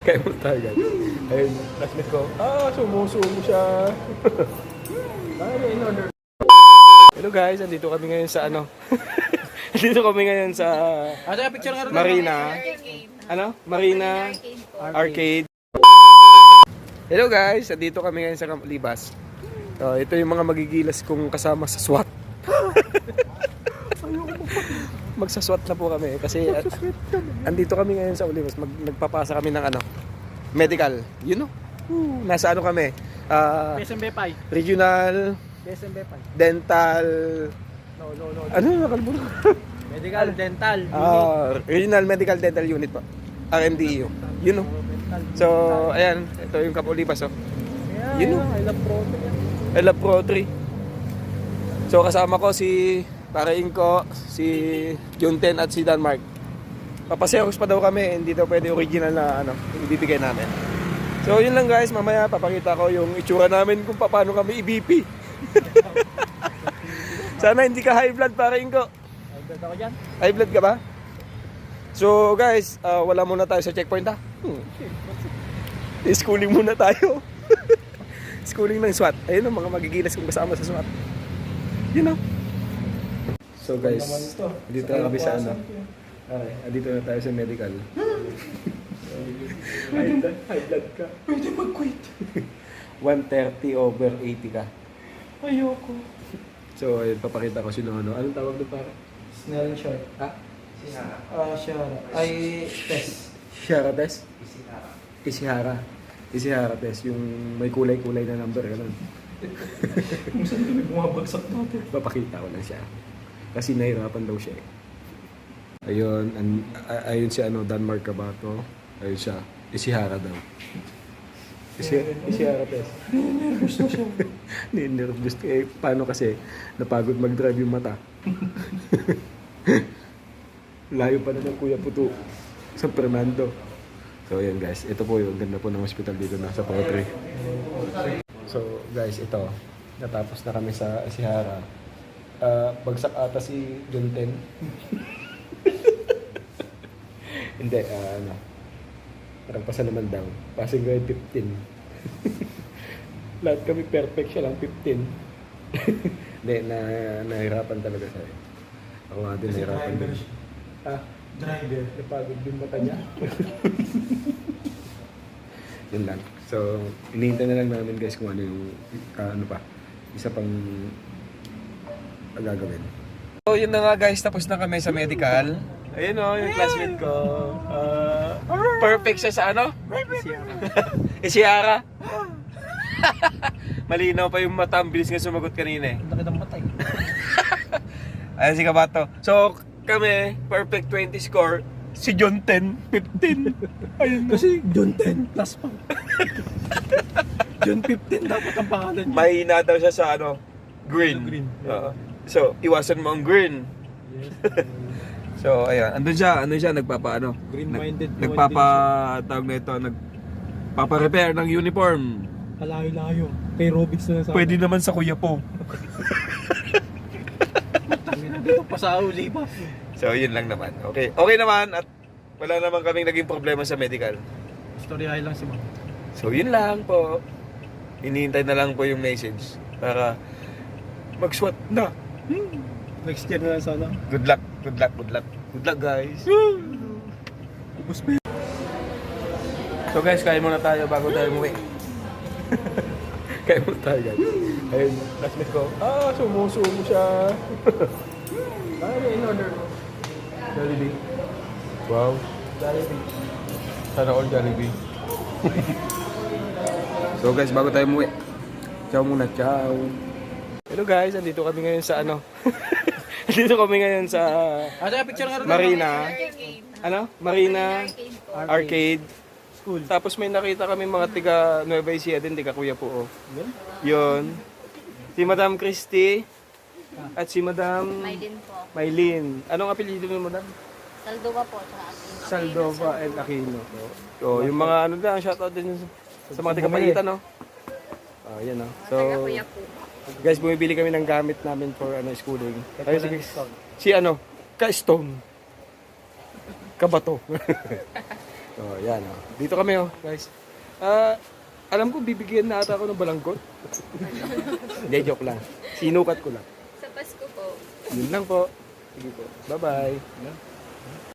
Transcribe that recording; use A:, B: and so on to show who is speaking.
A: Kaya mo tayo guys. Ayun, classmate ko. Sumusumo siya. In order. Hello guys, andito kami ngayon sa ano? Andito kami ngayon sa Marina. Ano? Marina Arcade. Hello guys, andito kami ngayon sa Camp Libas. Ito yung mga magigilas kong kasama sa SWAT. Magsaswat na po kami kasi andito kami ngayon sa Olivos. Nagpapasa kami ng ano, medical. You know? Nasa ano kami?
B: PSMB5.
A: Regional
B: PSMB5.
A: Dental.
B: No.
A: Ano yung nakalburo?
B: Medical Dental.
A: Regional Medical Dental Unit po. RMDU. You know? So, ayan. Ito yung Camp Olivos. Oh. You know?
B: I love Pro.
A: I love Pro 3. So, kasama ko si Paraing ko, si Junten at si Denmark. Papaseros pa daw kami, hindi daw pwede original na ano, ibibigay namin. So yun lang guys, mamaya papakita ko yung itsura namin kung paano kami i-BP. Sana hindi ka high blood, Paraing ko.
B: High blood ako dyan.
A: High blood ka ba? So guys, wala muna tayo sa checkpoint ha. Schooling muna tayo. Schooling ng SWAT. Ayun ang mga magigilas kong kasama sa SWAT. You know? So guys, dito na kami sa ano. Dito na tayo sa medical. High blood ka.
B: Pwede mag-quit.
A: 130/80 ka.
B: Ayoko.
A: So ayun, papakita ko sino ano. Anong tawag doon para?
B: Snell short.
A: Ha?
B: Shara. Ay, test.
A: Ishihara test? Ishihara test. Yung may kulay-kulay na number. Ganun.
B: Kung saan kami bumabagsak natin.
A: Papakita ko lang siya. Kasi nahirapan daw siya eh. Ayun, ayun si ano, Denmark Kabato. Ayun siya, Ishihara daw. Ishihara test.
B: Nervous na siya.
A: Nervous eh. Paano kasi napagod mag-drive yung mata. Layo pa na ng Kuya Puto sa Fernando. So ayan guys, ito po yung ganda po ng hospital dito na sa Potri. So guys, ito. Natapos na kami sa Ishihara. Bagsak ata si Junten. Hindi, ano. Nagpasa naman daw. Passing grade 15. Lahat kami perfect, siya lang 15. Hindi, nahirapan talaga siya. Ako nga din, nahirapan din.
B: Driver.
A: Napagod din mata niya. Yun lang. So, inihintay na lang namin guys kung ano yung, ano pa, isa pang gagawin. So yun na nga guys, tapos na kami sa medical. Ayun o, yung classmate ko. Perfect siya sa ano? Ishihara. Malinaw pa yung mata, ang bilis nga sumagot kanina eh.
B: Ang laki ng matay.
A: Ayan si Kabato. So kami, perfect 20 score. Si John 10, 15. Ayun.
B: Kasi John 10 plus pa. John 15 dapat ang pangalan niya.
A: Mahina daw siya sa ano? Green.
B: Green.
A: So, iwasan mo ang green.
B: Yes.
A: So, ayan. Andun siya, nagpapaano?
B: Green-minded.
A: Tawag na ito, nagpapa-repair ng uniform.
B: Kalayo-layo. Kay Robix na sa
A: Pwede naman sa Kuya po.
B: dito pa sa uli pa.
A: So, yun lang naman. Okay. Okay naman at wala naman kaming naging problema sa medical.
B: Storyahin lang si Ma'am.
A: So, yun lang po. Hinihintay na lang po yung message para mag-SWAT na.
B: Next year na lang sana.
A: Good luck guys.
B: Ubus pa.
A: So guys, kain muna tayo bago tayo umuwi. Kain muna tayo guys. Ayun, classmate ko. Sumusumo siya.
B: In order.
A: Jollibee. Wow.
B: Jollibee.
A: Sana all Jollibee. So guys, bago tayo umuwi. Ciao muna, ciao. Hello guys, andito kami ngayon sa ano? Andito kami ngayon sa
B: Picture nga rin.
A: Marina. Ano? Marina Arcade.
B: School.
A: Tapos may nakita kami mga tiga Nueva Ecija din, tiga Kuya po. Yun. Si Madam Christy at si Madam
C: Maylin po.
A: Maylin. Anong apelyido ni Madam?
C: Saldova po. Tsaka Aquino.
A: Saldova and Aquino. So, yung mga ano na, shoutout din sa mga tiga Pagitan, no? Yan, no? So,
C: Kuya po.
A: guys, bumibili kami ng gamit namin for ano schooling. Ayun, si ano, Ka-Stone. Kabato. Oh, yan oh. Dito kami oh, guys. Alam ko bibigyan na ata ako ng balangkot. Hindi, joke lang. Sinukat ko lang.
C: Sa Pasko po.
A: Yun lang po. Sige po. Bye-bye.